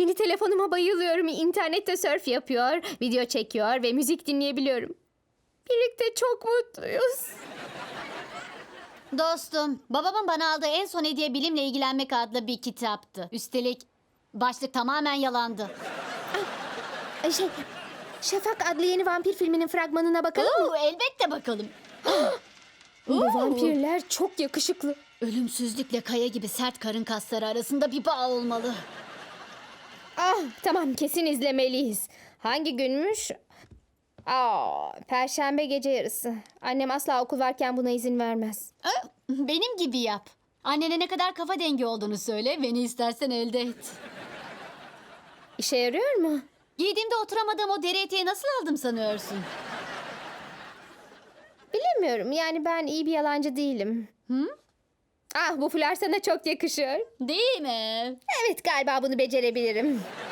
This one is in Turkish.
Yeni telefonuma bayılıyorum. İnternette surf yapıyor, video çekiyor ve müzik dinleyebiliyorum. Birlikte çok mutluyuz. Dostum, babamın bana aldığı en son hediye bilimle ilgilenmek adlı bir kitaptı. Üstelik başlık tamamen yalandı. Şafak adlı yeni vampir filminin fragmanına bakalım mı? Elbette bakalım. Bu vampirler çok yakışıklı. Ölümsüzlükle kaya gibi sert karın kasları arasında bir bağ olmalı. Tamam, kesin izlemeliyiz. Hangi günmüş? Perşembe gece yarısı. Annem asla okul varken buna izin vermez. Benim gibi yap. Annene ne kadar kafa dengi olduğunu söyle, beni istersen elde et. İşe yarıyor mu? Giydiğimde oturamadığım o deri eteği nasıl aldım sanıyorsun? Bilemiyorum. Yani ben iyi bir yalancı değilim. Bu fular sana çok yakışıyor. Değil mi? Evet, galiba bunu becerebilirim.